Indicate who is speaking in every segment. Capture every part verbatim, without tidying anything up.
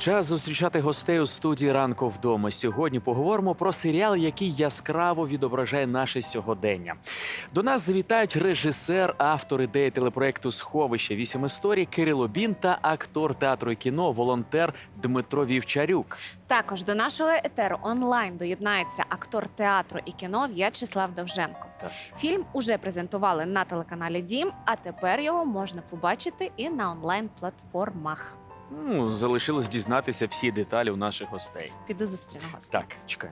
Speaker 1: Час зустрічати гостей у студії «Ранку вдома». Сьогодні поговоримо про серіал, який яскраво відображає наше сьогодення. До нас завітають режисер, автор ідеї телепроекту «Сховище. Вісім історій» Кирило Бін та актор театру і кіно, волонтер Дмитро Вівчарюк.
Speaker 2: Також до нашого етеру онлайн доєднається актор театру і кіно В'ячеслав Довженко.
Speaker 1: Так.
Speaker 2: Фільм уже презентували на телеканалі «Дім», а тепер його можна побачити і на онлайн-платформах.
Speaker 1: Ну, залишилось дізнатися всі деталі у наших гостей.
Speaker 2: Піду зустріну гостей.
Speaker 1: Так, чекай.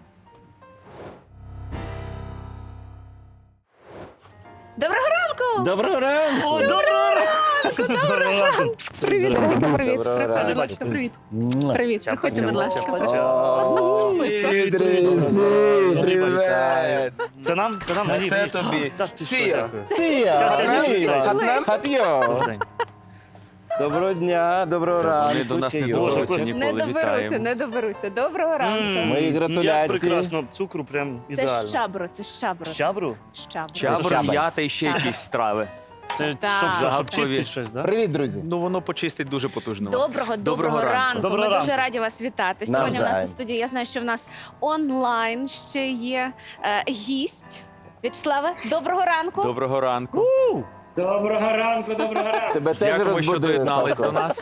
Speaker 2: Доброго ранку!
Speaker 3: Доброго ранку!
Speaker 4: О, доброго ранку! Доброго ранку!
Speaker 2: Привіт, дорогенька, привіт.
Speaker 3: Доброго
Speaker 2: Приходь,
Speaker 3: ранку.
Speaker 2: будь ласка, привіт. Привіт, приходьте, будь ласка.
Speaker 3: Привіт, друзі! Привіт!
Speaker 4: Це нам? Це нам? Мені?
Speaker 3: Це
Speaker 4: Мені?
Speaker 3: тобі.
Speaker 4: Так, ти що,
Speaker 3: Сія!
Speaker 4: дякую.
Speaker 3: Сія!
Speaker 4: Привіт.
Speaker 3: Хатйо!
Speaker 4: Добрий день.
Speaker 3: Доброго дня, доброго ранку.
Speaker 1: Вони до нас не
Speaker 3: чайок.
Speaker 4: Боже,
Speaker 1: доберуться
Speaker 4: коли-
Speaker 2: Не
Speaker 1: ніколи.
Speaker 2: доберуться,
Speaker 1: Вітаємо.
Speaker 2: не доберуться. Доброго ранку.
Speaker 4: М,
Speaker 3: Мої
Speaker 4: Як
Speaker 3: гратуляції.
Speaker 4: прекрасно. Цукру прям
Speaker 2: Це
Speaker 4: ідеально.
Speaker 2: щабро, це щабро.
Speaker 4: Щабру?
Speaker 2: Щабро.
Speaker 1: Чабр,
Speaker 3: щабель.
Speaker 1: м'ята і ще якісь страви.
Speaker 4: Це
Speaker 2: Так.
Speaker 4: щоб, щоб
Speaker 1: Загадкові.
Speaker 4: чистити щось, так?
Speaker 3: Привіт, друзі!
Speaker 1: Ну, воно почистить дуже потужно. вас.
Speaker 2: Доброго, доброго,
Speaker 1: Доброго ранку.
Speaker 2: ранку.
Speaker 4: Доброго
Speaker 2: Ми
Speaker 4: ранку.
Speaker 2: дуже раді вас вітати. Сьогодні у нас
Speaker 3: Навзаєм.
Speaker 2: у студії, я знаю, що в нас онлайн ще є е, гість. В'ячеславе, доброго ранку.
Speaker 1: Доброго ранку.
Speaker 4: Доброго ранку, доброго ранку.
Speaker 3: Тебе теж
Speaker 1: Дякуємо, що
Speaker 3: розбудили,
Speaker 1: доєднались до
Speaker 3: Савко.
Speaker 1: нас.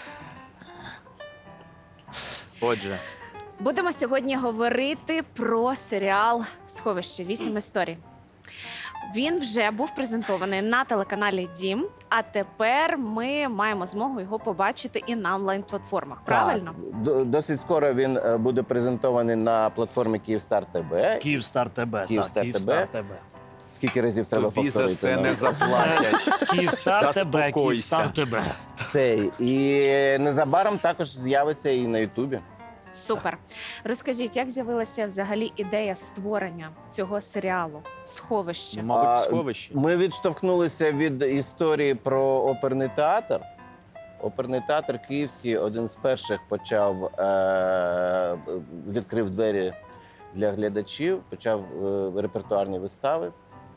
Speaker 1: Отже,
Speaker 2: Будемо сьогодні говорити про серіал «Сховище. Вісім історій». Він вже був презентований на телеканалі «Дім», а тепер ми маємо змогу його побачити і на онлайн-платформах. Правильно?
Speaker 3: Так. Д- Досить скоро він е, буде презентований на платформі Київстар ТБ.
Speaker 4: Київстар ТБ.
Speaker 3: Київстар
Speaker 4: так, Київстар
Speaker 3: ТБ.
Speaker 4: ТБ.
Speaker 3: Скільки разів треба
Speaker 1: тобі за
Speaker 3: повторити?
Speaker 1: це
Speaker 3: ну?
Speaker 1: не заплатять.
Speaker 4: Київстар ТБ,
Speaker 1: Заспокойся.
Speaker 4: Київстар ТБ.
Speaker 3: Цей. І незабаром також з'явиться і на Ютубі.
Speaker 2: Супер. Розкажіть, як з'явилася взагалі ідея створення цього серіалу «Сховище»?
Speaker 1: Мабуть,
Speaker 3: А,
Speaker 1: в сховищі.
Speaker 3: Ми відштовхнулися від історії про оперний театр. Оперний театр Київський один з перших почав е- відкрив двері для глядачів, почав е- репертуарні вистави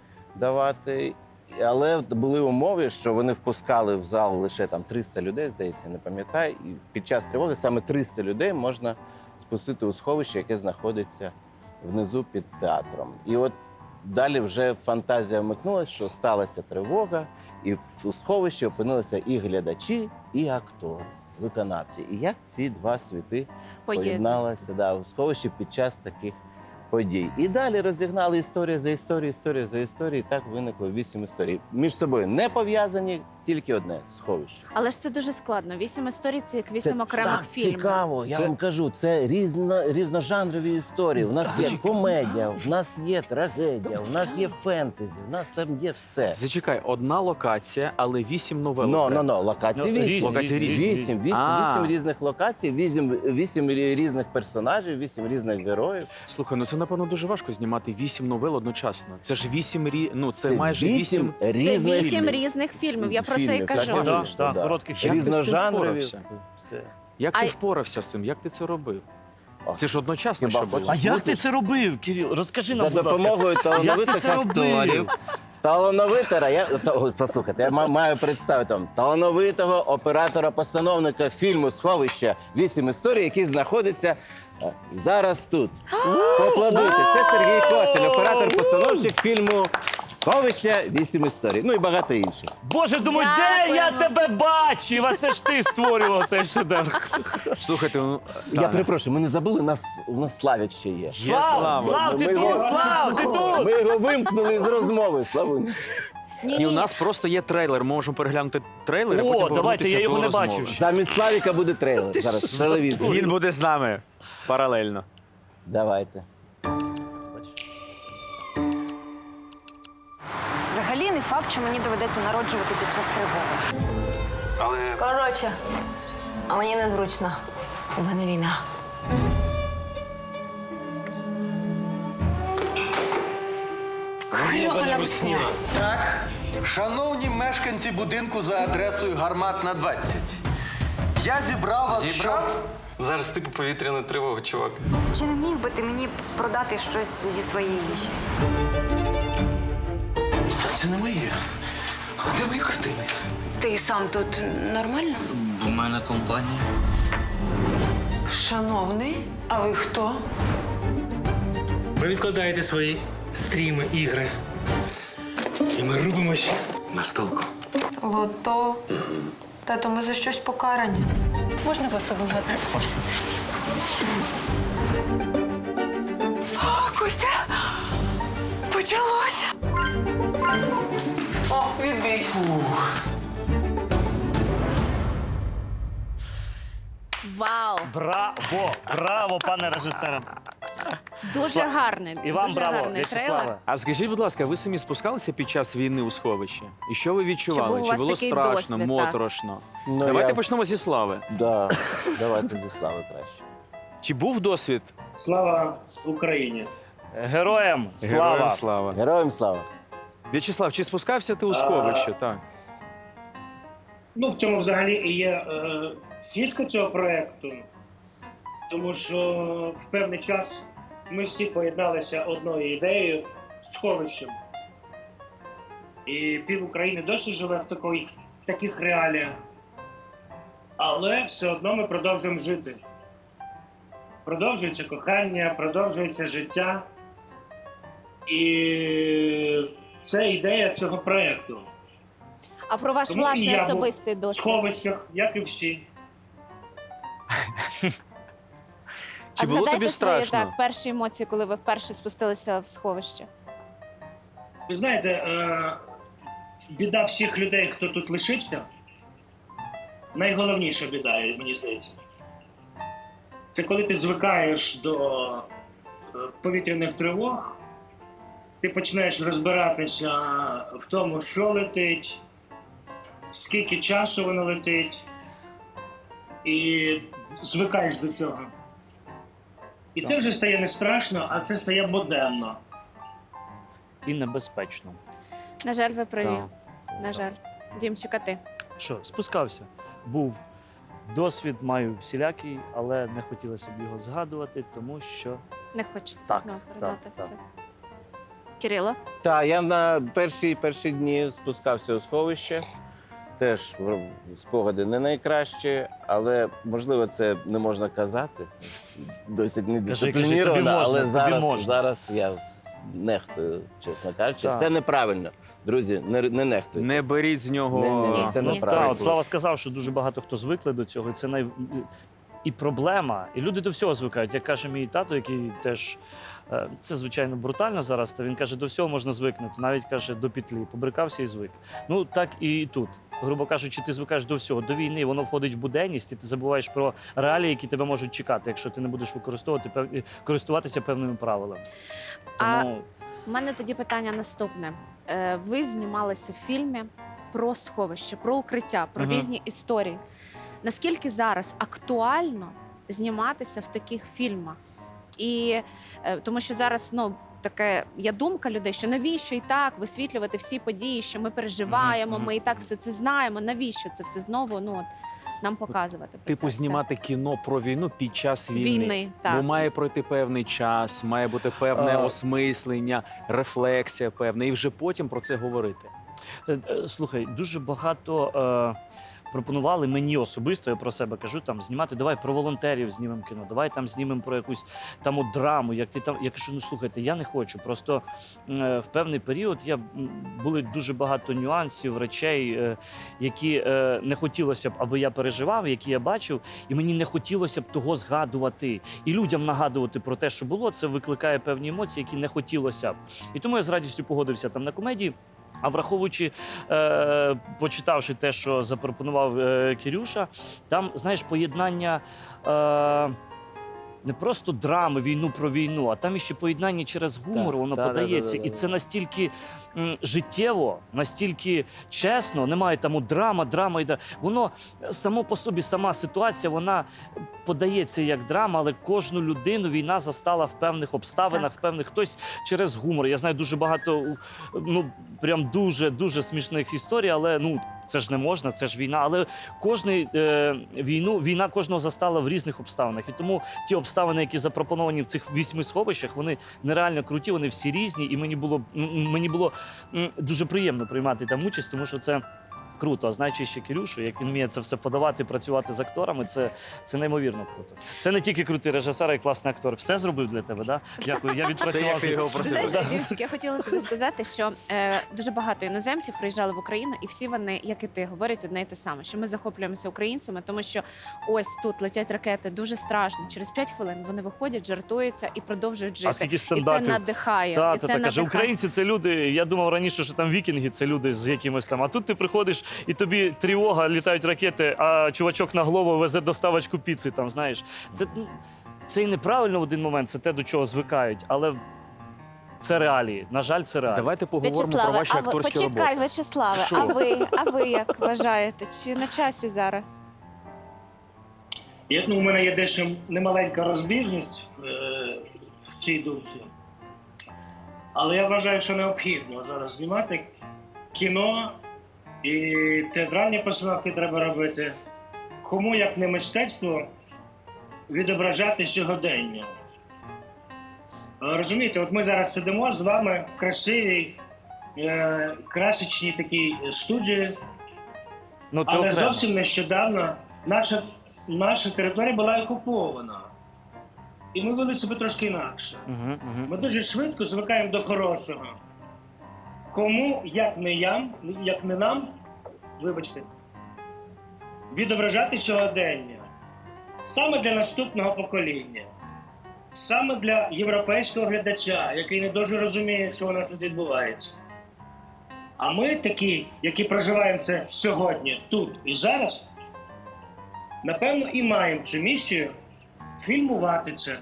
Speaker 3: давати. Але були умови, що вони впускали в зал лише там триста людей, здається, не пам'ятаю. І під час тривоги саме триста людей можна спустити у сховище, яке знаходиться внизу під театром. І от далі вже фантазія вмикнулася, що сталася тривога, і в- у сховищі опинилися і глядачі, і актори, виконавці. І як ці два світи поєдналися да, у сховищі під час таких подій. І далі розігнали історію за історією, історію за історією, і так виникло вісім історій. Між собою не пов'язані, тільки одне сховище.
Speaker 2: Але ж це дуже складно. Вісім історій – це як вісім
Speaker 3: Це
Speaker 2: окремих
Speaker 3: так
Speaker 2: фільмів.
Speaker 3: цікаво, я
Speaker 1: Це-
Speaker 3: вам кажу, це різно, різножанрові історії. У нас є комедія, у нас є трагедія, у нас є фентезі, у нас там є все.
Speaker 1: Зачекай, одна локація, але вісім новел.
Speaker 3: Ну,
Speaker 1: окремо.
Speaker 3: ну, ну, локації
Speaker 4: Ну,
Speaker 3: вісім.
Speaker 4: різні,
Speaker 1: Локації
Speaker 4: різні,
Speaker 1: різні.
Speaker 3: Вісім, вісім,
Speaker 1: А.
Speaker 3: вісім різних локацій, вісім, вісім різних персонажів, вісім різних героїв.
Speaker 1: Слухай, ну це, напевно, дуже важко знімати вісім новел одночасно. Це ж вісім рі... ну це, майже вісім.
Speaker 2: Це
Speaker 3: різних
Speaker 2: вісім
Speaker 3: фільмів.
Speaker 2: різних фільмів, я про це і
Speaker 3: Фільмів,
Speaker 2: кажу.
Speaker 3: так,
Speaker 4: Так,
Speaker 3: Звісно,
Speaker 4: так,
Speaker 3: да.
Speaker 4: коротких
Speaker 1: Як ти з цим
Speaker 3: Різножанрові.
Speaker 1: впорався?
Speaker 3: Все.
Speaker 1: Як
Speaker 2: А
Speaker 1: ти
Speaker 2: й-
Speaker 1: впорався з цим? Як ти це робив?
Speaker 3: О,
Speaker 1: Це ж одночасно,
Speaker 3: хіба
Speaker 1: що було.
Speaker 4: А
Speaker 3: хочеш?
Speaker 4: як ти це робив, Кирил? Розкажи
Speaker 3: За
Speaker 4: нам, будь ласка.
Speaker 3: допомогою
Speaker 4: Як ти
Speaker 3: талановитих
Speaker 4: це
Speaker 3: акторів.
Speaker 4: робив?
Speaker 3: Талановитера, я та- о, послухайте, я ма- маю представити вам талановитого оператора-постановника фільму «Сховище. Вісім історій», який знаходиться е, зараз тут. Поаплодуйте. Це Сергій Кошель, оператор-постановщик фільму «Сховище. Вісім історій». Ну і багато інших.
Speaker 4: Боже, думаю, де я
Speaker 2: Дякуємо.
Speaker 4: тебе бачив? А це ж ти створював цей шедевр.
Speaker 1: Слухайте, ну
Speaker 3: Я
Speaker 1: Таня,
Speaker 3: перепрошую, ми не забули, нас, у нас Славік ще є.
Speaker 1: Є
Speaker 4: Слав,
Speaker 1: Слава.
Speaker 4: Слав, ти
Speaker 3: Ми
Speaker 4: тут,
Speaker 3: його-
Speaker 4: Слав, ти тут.
Speaker 3: Ми його вимкнули з розмови. Славу.
Speaker 2: Ні,
Speaker 1: І у нас просто є трейлер. Ми можемо переглянути трейлер, а
Speaker 4: О,
Speaker 1: потім
Speaker 4: давайте,
Speaker 1: повернутися
Speaker 4: я його
Speaker 1: до
Speaker 4: не
Speaker 1: розмови.
Speaker 4: бачив.
Speaker 3: Замість Славіка буде трейлер зараз в телевізорі.
Speaker 1: Він буде з нами паралельно.
Speaker 3: Давайте.
Speaker 5: Взагалі не факт, що мені доведеться народжувати під час тривоги. Але... Коротше, а мені незручно. У мене війна. Гребана русня.
Speaker 6: Так, шановні мешканці будинку за адресою Гарматна двадцять. Я зібрав вас, щоб...
Speaker 7: Зараз типу повітряна тривога, чувак.
Speaker 5: Чи не міг би ти мені продати щось зі своєї їжі?
Speaker 6: Це не моє. А де мої картини?
Speaker 5: Ти сам тут нормально?
Speaker 7: У мене компанія.
Speaker 8: Шановний, а ви хто?
Speaker 9: Ви відкладаєте свої стріми, ігри. І ми рубимось на столку.
Speaker 8: Лото. Тато, ми за щось покарані. Можна вас обігати? О, Костя! Почалося! О, відбій.
Speaker 2: Вау!
Speaker 4: Браво! Браво, пане режисере!
Speaker 2: Дуже гарний,
Speaker 4: І вам
Speaker 2: дуже
Speaker 4: браво,
Speaker 2: гарний трейлер.
Speaker 4: В'ячеславе.
Speaker 1: А скажіть, будь ласка, ви самі спускалися під час війни у сховище? І що ви відчували?
Speaker 2: був у вас
Speaker 1: було
Speaker 2: такий
Speaker 1: страшно,
Speaker 2: досвід, так?
Speaker 1: моторошно?
Speaker 3: Ну,
Speaker 1: Давайте
Speaker 3: я...
Speaker 1: почнемо зі Слави.
Speaker 3: Да, давайте зі Слави краще.
Speaker 1: Чи був досвід?
Speaker 10: Слава Україні!
Speaker 4: Героям слава!
Speaker 1: Героям слава.
Speaker 3: Героям слава.
Speaker 1: В'ячеслав, чи спускався ти у
Speaker 10: А,
Speaker 1: сховище? Так.
Speaker 10: Ну, в цьому взагалі і є е, фішка цього проєкту, тому що в певний час ми всі поєдналися одною ідеєю сховищем. І пів України досі живе в, такої, в таких реаліях. Але все одно ми продовжуємо жити. Продовжується кохання, продовжується життя. І це ідея цього проєкту.
Speaker 2: А про ваш
Speaker 10: Тому і
Speaker 2: власний
Speaker 10: я був
Speaker 2: особистий
Speaker 10: в
Speaker 2: досвід?
Speaker 10: сховищах, як і всі.
Speaker 1: Чи
Speaker 2: а
Speaker 1: було
Speaker 2: згадайте
Speaker 1: тобі
Speaker 2: свої
Speaker 1: страшно?
Speaker 2: так, перші емоції, коли ви вперше спустилися в сховище?
Speaker 10: Ви знаєте, е, біда всіх людей, хто тут лишився, найголовніша біда, мені здається. Це коли ти звикаєш до е, повітряних тривог, ти починаєш розбиратися в тому, що летить, скільки часу воно летить, і звикаєш до цього. І це вже стає не страшно, а це стає буденно.
Speaker 4: І небезпечно.
Speaker 2: На жаль, ви праві.
Speaker 1: Так.
Speaker 2: На жаль. Дімчика, ти.
Speaker 4: Що, спускався. Був досвід, маю всілякий, але не хотілося б його згадувати, тому що
Speaker 2: Не хочеться
Speaker 4: Так,
Speaker 2: знову
Speaker 4: так,
Speaker 2: поринати в
Speaker 4: так.
Speaker 2: це. Кирило?
Speaker 3: Так, я на перші, перші дні спускався у сховище. Теж в- спогади не найкращі, але можливо це не можна казати. Досить недисципліновано,
Speaker 4: тобі можна,
Speaker 3: але
Speaker 4: тобі
Speaker 3: зараз,
Speaker 4: можна.
Speaker 3: зараз я нехтую, чесно кажучи.
Speaker 1: Так.
Speaker 3: Це неправильно. Друзі, не, не нехтуйте.
Speaker 1: Не беріть з нього.
Speaker 3: Ні-ні-ні,
Speaker 2: Ні,
Speaker 3: це
Speaker 2: ні.
Speaker 3: неправильно.
Speaker 4: Так, от Слава сказав, що дуже багато хто звикли до цього, і це най... і проблема. І люди до всього звикають. Як каже мій тато, який теж е, це звичайно брутально зараз. Та він каже, до всього можна звикнути, навіть каже до петлі. Побрикався і звик. Ну так і тут. Грубо кажучи, ти звикаєш до всього. До війни воно входить в буденність, і ти забуваєш про реалії, які тебе можуть чекати, якщо ти не будеш використовувати пев... користуватися певними правилами.
Speaker 2: А-
Speaker 4: Тому
Speaker 2: У мене тоді питання наступне. Е, Ви знімалися в фільмі про сховище, про укриття, про
Speaker 4: Мгм.
Speaker 2: різні історії. Наскільки зараз актуально зніматися в таких фільмах? І е, тому що зараз ну таке є думка людей, що навіщо і так висвітлювати всі події, що ми переживаємо,
Speaker 1: Мгм,
Speaker 2: ми і так все це знаємо. Навіщо це все знову ну от, нам показувати? Про
Speaker 1: Типу
Speaker 2: це все?
Speaker 1: знімати кіно про війну під час війни.
Speaker 2: війни. Так.
Speaker 1: Бо має пройти певний час, має бути певне
Speaker 4: А.
Speaker 1: осмислення, рефлексія певна, і вже потім про це говорити.
Speaker 4: Е, е, Слухай, дуже багато е, пропонували мені особисто, я про себе кажу, там знімати, давай про волонтерів знімемо кіно, давай там знімемо про якусь там от драму. Як ти там, я кажу, ну слухайте, я не хочу. Просто е, в певний період я м, були дуже багато нюансів, речей, е, які е, не хотілося б, аби я переживав, які я бачив, і мені не хотілося б того згадувати. І людям нагадувати про те, що було, це викликає певні емоції, які не хотілося б. І тому я з радістю погодився там на комедії. А враховуючи, е, почитавши те, що запропонував е, Кирюша, там, знаєш, поєднання е, не просто драми, війну про війну, а там іще поєднання через гумор,
Speaker 1: Так,
Speaker 4: воно
Speaker 1: да, да,
Speaker 4: подається.
Speaker 1: да, да,
Speaker 4: І
Speaker 1: да.
Speaker 4: це настільки м, життєво, настільки чесно, немає там от драма, драма йде. Воно само по собі, сама ситуація, вона подається як драма, але кожну людину війна застала в певних обставинах, в певних хтось через гумор. Я знаю дуже багато, ну прям дуже дуже смішних історій, але ну це ж не можна, це ж війна. Але кожний е, війну, війна кожного застала в різних обставинах. І тому ті обставини, які запропоновані в цих вісьми сховищах, вони нереально круті, вони всі різні. І мені було м, мені було м, дуже приємно приймати там участь, тому що це. круто. А знаючи ще Кирюшу, як він вміє це все подавати, працювати з акторами, це, це неймовірно круто. Це не тільки крутий режисер, а й класний актор. Все зробив для тебе, да? Дякую. Я відпрацював.
Speaker 1: Це як його
Speaker 2: Ти
Speaker 1: просили.
Speaker 2: знаєш, Дімчик, я хотіла тобі сказати, що е, дуже багато іноземців приїжджали в Україну, і всі вони, як і ти, говорять одне і те саме, що ми захоплюємося українцями, тому що ось тут летять ракети, дуже страшно. Через п'ять хвилин вони виходять, жартуються і продовжують жити.
Speaker 4: А скільки
Speaker 2: І це
Speaker 4: стендапів?
Speaker 2: надихає.
Speaker 4: Та,
Speaker 2: і
Speaker 4: та,
Speaker 2: це
Speaker 4: та, каже,
Speaker 2: надихає.
Speaker 4: українці це люди. Я думав раніше, що там вікінги це люди з якимось там. А тут ти приходиш і тобі тривога, літають ракети, а чувачок на голову везе доставочку піци. Там знаєш, це, ну, це і неправильно в один момент. Це те, до чого звикають, але це реалії. На жаль, це реалії.
Speaker 1: Давайте поговоримо про
Speaker 2: В'ячеславе,
Speaker 1: ваші
Speaker 2: а ви
Speaker 1: акторські
Speaker 2: почекай,
Speaker 1: роботи.
Speaker 2: В'ячеславе,
Speaker 1: Що?
Speaker 2: а ви, а ви як вважаєте? Чи на часі зараз?
Speaker 10: Я, ну, у мене є дещо немаленька розбіжність в, е, в цій думці. Але я вважаю, що необхідно зараз знімати кіно і театральні постановки треба робити. Кому, як не мистецтво, відображати сьогодення. Розумієте, от ми зараз сидимо з вами в красивій, е, красочній такій студії,
Speaker 4: Ну, ти
Speaker 10: але
Speaker 4: окремо.
Speaker 10: зовсім нещодавно наша, наша територія була окупована. І ми вели себе трошки інакше.
Speaker 4: Угу, угу.
Speaker 10: Ми дуже швидко звикаємо до хорошого. Кому, як не я, як не нам, вибачте, відображати сьогодення саме для наступного покоління, саме для європейського глядача, який не дуже розуміє, що у нас тут відбувається. А ми такі, які проживаємо це сьогодні, тут і зараз, напевно, і маємо цю місію фільмувати це.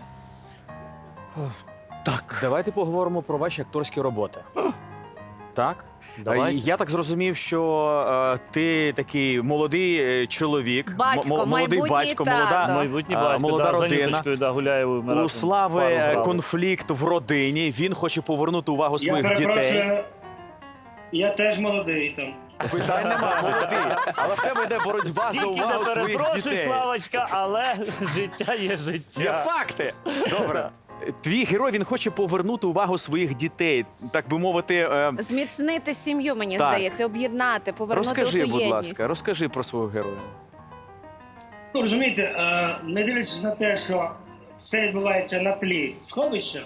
Speaker 1: Так. Давайте поговоримо про ваші акторські роботи. Так?
Speaker 4: Давайте.
Speaker 1: Е, Я так зрозумів, що е, ти такий молодий е, чоловік, м-
Speaker 2: Батько,
Speaker 1: мо- молодий
Speaker 2: майбутній
Speaker 1: батько,
Speaker 2: тато.
Speaker 1: молода.
Speaker 4: Майбутній
Speaker 1: А,
Speaker 4: батько,
Speaker 1: молода
Speaker 4: да,
Speaker 1: родина.
Speaker 4: за Нюточкою, да, гуляє. ми
Speaker 1: У
Speaker 4: разом
Speaker 1: Слави
Speaker 4: пару
Speaker 1: е,
Speaker 4: грали.
Speaker 1: конфлікт в родині. Він хоче повернути увагу
Speaker 10: Я
Speaker 1: своїх дітей.
Speaker 10: перепрошую, я теж молодий там.
Speaker 1: Питань немає, молодий. Але в тебе йде боротьба за
Speaker 4: Скільки
Speaker 1: увагу
Speaker 4: не
Speaker 1: своїх
Speaker 4: перепрошуй,
Speaker 1: дітей.
Speaker 4: Славочка, але життя є життя.
Speaker 1: Є факти. Добре. Твій герой, він хоче повернути увагу своїх дітей, так би мовити. е,
Speaker 2: Зміцнити сім'ю, мені
Speaker 1: Так.
Speaker 2: здається, об'єднати, повернути
Speaker 1: Розкажи,
Speaker 2: оту
Speaker 1: будь
Speaker 2: єдність.
Speaker 1: ласка, розкажи про свого героя.
Speaker 10: Ну, розумієте, е, не дивлячись на те, що все відбувається на тлі сховища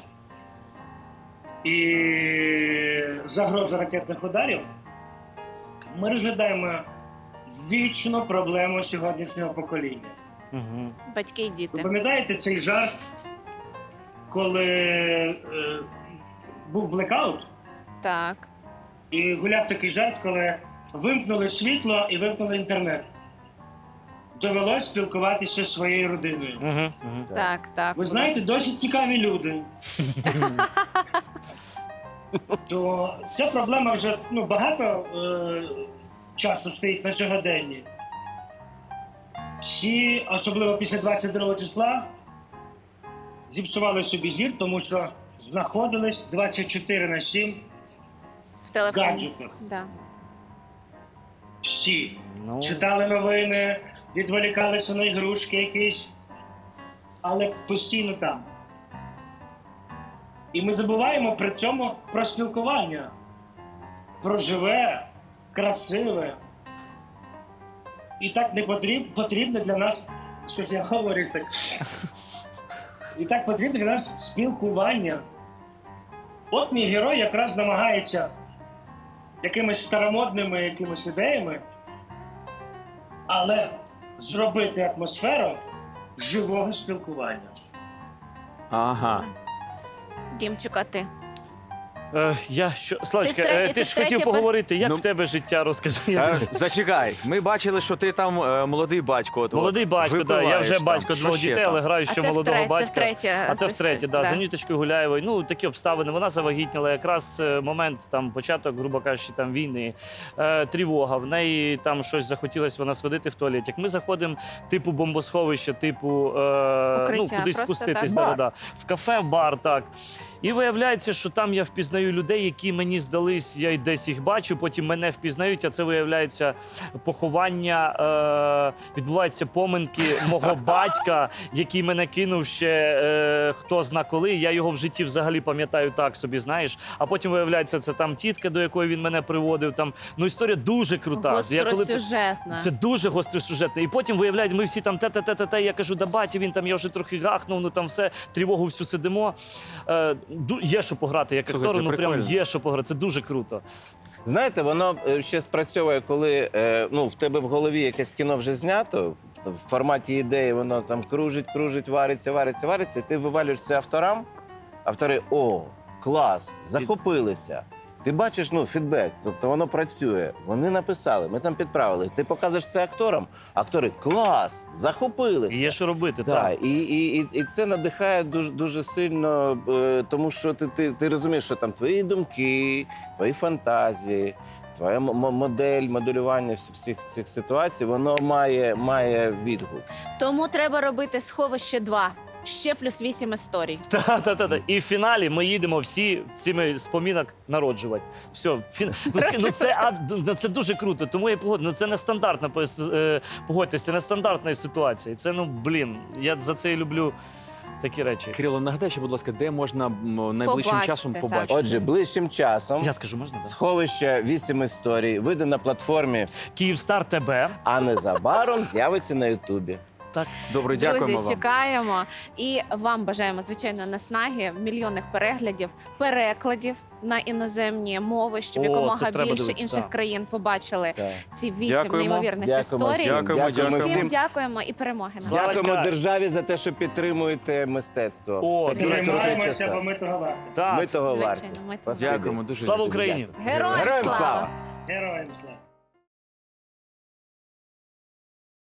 Speaker 10: і загроза ракетних ударів, ми розглядаємо вічну проблему сьогоднішнього покоління.
Speaker 4: Угу.
Speaker 2: Батьки і
Speaker 10: Ви
Speaker 2: діти.
Speaker 10: пам'ятаєте цей жарт, коли е, був блекаут,
Speaker 2: Так.
Speaker 10: і гуляв такий жарт, коли вимкнули світло і вимкнули інтернет. Довелось спілкуватися зі своєю родиною.
Speaker 4: Угу. Угу.
Speaker 2: Так, так.
Speaker 10: Ви знаєте, досить цікаві люди. То ця проблема вже ну, багато е, часу стоїть на сьогоденні. Всі, особливо після двадцять другого числа, зіпсували собі зір, тому що знаходились двадцять чотири на сім
Speaker 2: в
Speaker 10: в
Speaker 2: телефоні.
Speaker 10: гаджетах.
Speaker 2: Да.
Speaker 10: Всі.
Speaker 4: Ну,
Speaker 10: Читали новини, відволікалися на ігрушки якісь, але постійно там. І ми забуваємо при цьому про спілкування. Про живе, красиве. І так не потріб, потрібно для нас, що ж я говорю так. І так потрібно для нас спілкування. От мій герой якраз намагається якимись старомодними якимись ідеями, але зробити атмосферу живого спілкування.
Speaker 1: Ага.
Speaker 2: Дімчик, а ти?
Speaker 4: е, я що, Славочка,
Speaker 2: втретє-
Speaker 4: е,
Speaker 2: ти
Speaker 4: ти ж
Speaker 2: втретє
Speaker 4: хотів
Speaker 2: пер-
Speaker 4: поговорити, як
Speaker 1: Ну,
Speaker 4: в тебе життя, розкажи.
Speaker 1: Та,
Speaker 4: Я...
Speaker 1: зачекай, ми бачили, що ти там е, молодий батько. От,
Speaker 4: Молодий батько, да, я
Speaker 1: випиваєш
Speaker 4: вже
Speaker 1: там.
Speaker 4: батько
Speaker 1: Що
Speaker 4: двох
Speaker 1: ще
Speaker 4: дітей,
Speaker 1: там?
Speaker 4: але граю
Speaker 2: А
Speaker 4: ще
Speaker 2: це
Speaker 4: молодого
Speaker 2: втретє,
Speaker 4: батька.
Speaker 2: це втретє.
Speaker 4: А це втретє, да, за Нюточкою Гуляєвою. Ну, такі обставини. Вона завагітніла, якраз е, момент, там, початок, грубо кажучи, там, війни, е, тривога. В неї там щось захотілося вона сходити в туалет. Як ми заходимо, типу бомбосховище, типу, е, ну,
Speaker 2: Укриття,
Speaker 4: кудись
Speaker 2: просто
Speaker 4: спуститись,
Speaker 2: так.
Speaker 4: да, да, да, в кафе, в бар, так. І виявляється, що там я впізнаю впізнаю людей, які мені здались, я й десь їх бачу, потім мене впізнають, а це виявляється поховання, е, відбуваються поминки мого батька, який мене кинув ще е, хто зна коли. Я його в житті взагалі пам'ятаю так собі, знаєш. А потім виявляється, це там тітка, до якої він мене приводив. Там. Ну, історія дуже крута. Я коли-
Speaker 2: Гостросюжетна.
Speaker 4: Це дуже гостросюжетне. І потім виявляють, ми всі там те-те-те-те, я кажу, да батя, він там, я вже трохи гахнув, ну там все, тривогу всю сидимо. Е, ду- є що пограти, як
Speaker 1: Слухай,
Speaker 4: актору,
Speaker 1: це
Speaker 4: ну прям
Speaker 1: прикольно.
Speaker 4: є що пограти, це дуже круто.
Speaker 3: Знаєте, воно е, ще спрацьовує, коли е, ну, в тебе в голові якесь кіно вже знято, в форматі ідеї воно там кружить, кружить, вариться, вариться, вариться, і ти вивалюєш це авторам, автори, о, клас, захопилися. Ти бачиш, ну, фідбек, тобто воно працює. Вони написали, ми там підправили. Ти показуєш це акторам, актори, клас, захопилися.
Speaker 4: І є що робити,
Speaker 3: Так,
Speaker 4: так.
Speaker 3: і, і, і, і це надихає дуже, дуже сильно, е, тому що ти, ти, ти розумієш, що там твої думки, твої фантазії, твоя м- м- модель, моделювання всіх- всіх цих ситуацій, воно має, має відгук.
Speaker 2: Тому треба робити сховище два. Ще плюс вісім історій.
Speaker 4: Та-та-та. І в фіналі ми їдемо всі цими спомінок народжувати. Все, фін... ну, ск- ну, це, а, ну, це дуже круто, тому я погоджу. Ну, це нестандартна, пос- е, погодьтесь, це нестандартна ситуація. Це, ну, блін, я за це і люблю такі речі.
Speaker 1: Кирило, нагадай, ще, будь ласка, де можна м, найближчим
Speaker 2: Побачити,
Speaker 1: часом
Speaker 2: так.
Speaker 1: побачити?
Speaker 3: Отже, ближчим часом
Speaker 4: Я скажу, можна? Да?
Speaker 3: сховище вісім історій вийде на платформі,
Speaker 4: Київстар ТБ.
Speaker 3: а незабаром з'явиться на Ютубі.
Speaker 1: Добре, дякуємо
Speaker 2: Друзі,
Speaker 1: вам.
Speaker 2: чекаємо. І вам бажаємо, звичайно, наснаги, мільйонних переглядів, перекладів на іноземні мови, щоб
Speaker 4: О,
Speaker 2: якомога
Speaker 4: це треба
Speaker 2: більше
Speaker 4: дивитися,
Speaker 2: інших
Speaker 4: так.
Speaker 2: країн побачили
Speaker 3: Так.
Speaker 2: ці вісім
Speaker 1: Дякуємо.
Speaker 2: неймовірних
Speaker 3: Дякуємо
Speaker 2: історій.
Speaker 3: всім.
Speaker 1: Дякуємо,
Speaker 2: І
Speaker 1: дякуємо.
Speaker 2: всім
Speaker 3: всім.
Speaker 2: дякуємо і перемоги нам.
Speaker 4: Слава-
Speaker 3: Дякуємо
Speaker 4: Славочка.
Speaker 3: державі за те, що підтримуєте мистецтво.
Speaker 4: О,
Speaker 3: в такі
Speaker 4: дуже
Speaker 3: трудні
Speaker 10: Тримаємося,
Speaker 3: часи.
Speaker 10: бо ми того варті.
Speaker 4: Так.
Speaker 3: Ми того
Speaker 2: Звичайно,
Speaker 3: варті.
Speaker 2: ми того
Speaker 3: Спасибі.
Speaker 1: Дякуємо дуже.
Speaker 4: Слава
Speaker 1: дуже.
Speaker 4: Україні!
Speaker 3: Дякую.
Speaker 2: Героям
Speaker 3: Героям
Speaker 2: слава!
Speaker 3: слава!
Speaker 10: Героям слава!